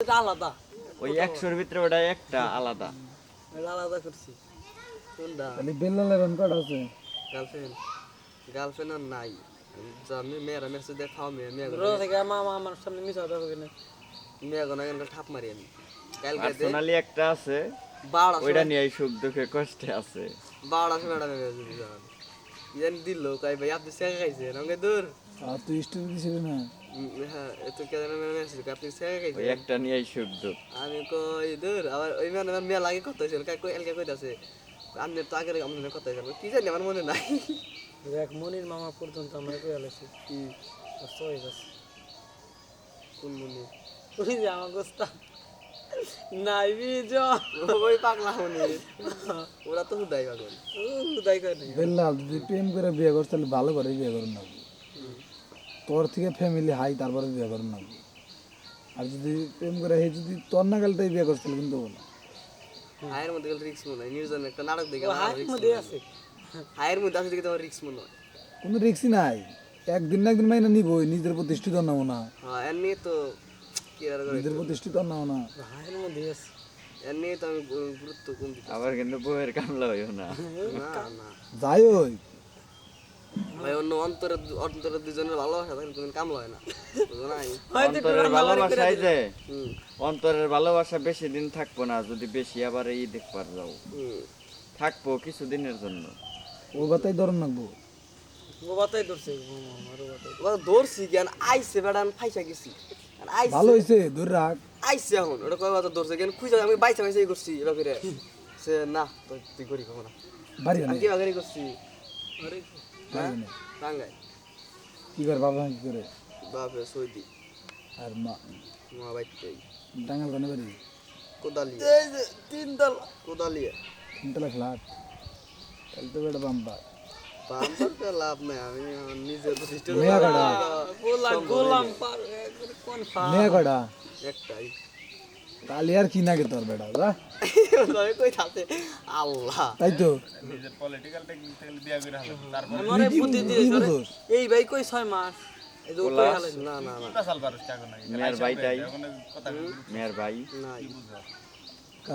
এটা আলাদা ওই 100-র ভিতরে ওটা একটা আলাদা। এটা আলাদা করছি কোনটা তাহলে বেল্লালের রন কটা আছে? গার্লফ্রেন্ড গার্লফ্রেন্ড আর নাই আমি মেয়েরা মেসেজ দিয়ে খাওয়া মেয়ে রোজ থেকে মামা আমার সামনে মিস হতে হবে না মেয়ে গোনা কেন ঠাপ মারি আমি কালকে পার্সোনালি একটা আছে, বাড়া ওইটা নিয়ে সুখ দুঃখে কষ্টে আছে। বাড়া শোনা যদি জান ইয়ান দিল কই ভাই আপনি সেকা খাইছেন আমাকে দূর আর তুই স্টোরি দিছিলি না? হ্যাঁ এত কে জানা মেসেজ আপনি সেকা ওই খাইছেন একটা নিয়ে সুখ দুঃখ। আমি কই দূর আবার ওই মানে মেয়ে লাগে কথা হইছিল কই এলকে কইতাছে আপনি তো আগে আমাদের কথা হইছিল কি জানি আমার মনে নাই দেখ মনির মামা পর্যন্ত আমরা কই আলেছি কি সই বাস কোন মনে ওই যে আমার গোস্তা নাই বিজ ওই পাগলা মনে ওরা তো হুদাই পাগল উদয় করে বেল্লাল যদি প্রেম করে বিয়ে করছ তাহলে ভালো করে বিয়ে করুন না, তোর থেকে ফ্যামিলি হাই তারপরে বিয়ে করুন না। আর যদি প্রেম করে হে যদি তোর না গেলটাই বিয়ে করছ তাহলে কিন্তু না। হায়ের মধ্যে গেলে রিক্স মনে হয় নিউজন একটা নাটক দেখে হাইট মধ্যে আছে হায়ের মধ্যে আছে দেখে তোমার রিক্স মনে হয় কোনো রিক্সই নাই, একদিন না একদিন মাইনা নিবই, নিজের প্রতিষ্ঠিত নাও না, হ্যাঁ এর নিয়ে তো কি আর করে নিজের প্রতিষ্ঠিত নাও না। হাইট মধ্যে আছে এর নিয়ে তো আমি গুরুত্ব কম দিই আবার কিন্তু বউয়ের কামলা হইও না। না না যাই ওই ভাই অন্য অন্তরে দুজনের ভালোবাসা থাকলে তুমি কামলা হয় না বুঝো নাই অন্তরের ভালোবাসায় যে হুম অন্তরের ভালোবাসা বেশি দিন থাকবো না, যদি বেশি আবার এই দেখবার যাও হুম থাকবো কিছুদিনের জন্য। ও কথাই ধরন রাখবো। ও বাতাই ধরছে আমারও বাতাই ওরা ধরছি কেন আইসে বেড়া আমি ফাইসা গেছি আইসে ভালো হয়েছে ধরে রাখ। আইসে এখন ওটা কয় কথা ধরছে কেন খুঁজে আমি বাইসা বাইসা করছি এটা করে সে না তো তুই করি কখনো না বাড়ি আমি কি বাগারি করছি আরে হ্যাঁ টাঙ্গাই কি করে বাবা কি করে বাপে সৌদি আর মা মা বাইতে টাঙ্গাল কোনে বাড়ি? কোদালি এই যে তিন দল কোদালি তিনতলা ফ্ল্যাট, তাহলে তো বেটা বাম্পা। বাম্পারটা লাভ নাই আমি আমার নিজের প্রতিষ্ঠা মেয়া কটা? গোলাম পার কোন ফা মেয়ে কটা? একটাই তাহলে আর কি নাগে তোর বেটা যা। আমি কই থাকে আল্লাহ তাই তো নিজের পলিটিক্যাল টেকনিক থেকে বিয়া করে হালে তারপর আমারে বুদ্ধি কি দিয়ে বুঝোস? এই ভাই কই 6 মাস এই যে কই হালে না না না কি পাসাল পারস টাকা নাই মেয়ের ভাইটাই এখন কথা মেয়ের ভাই নাই বুঝা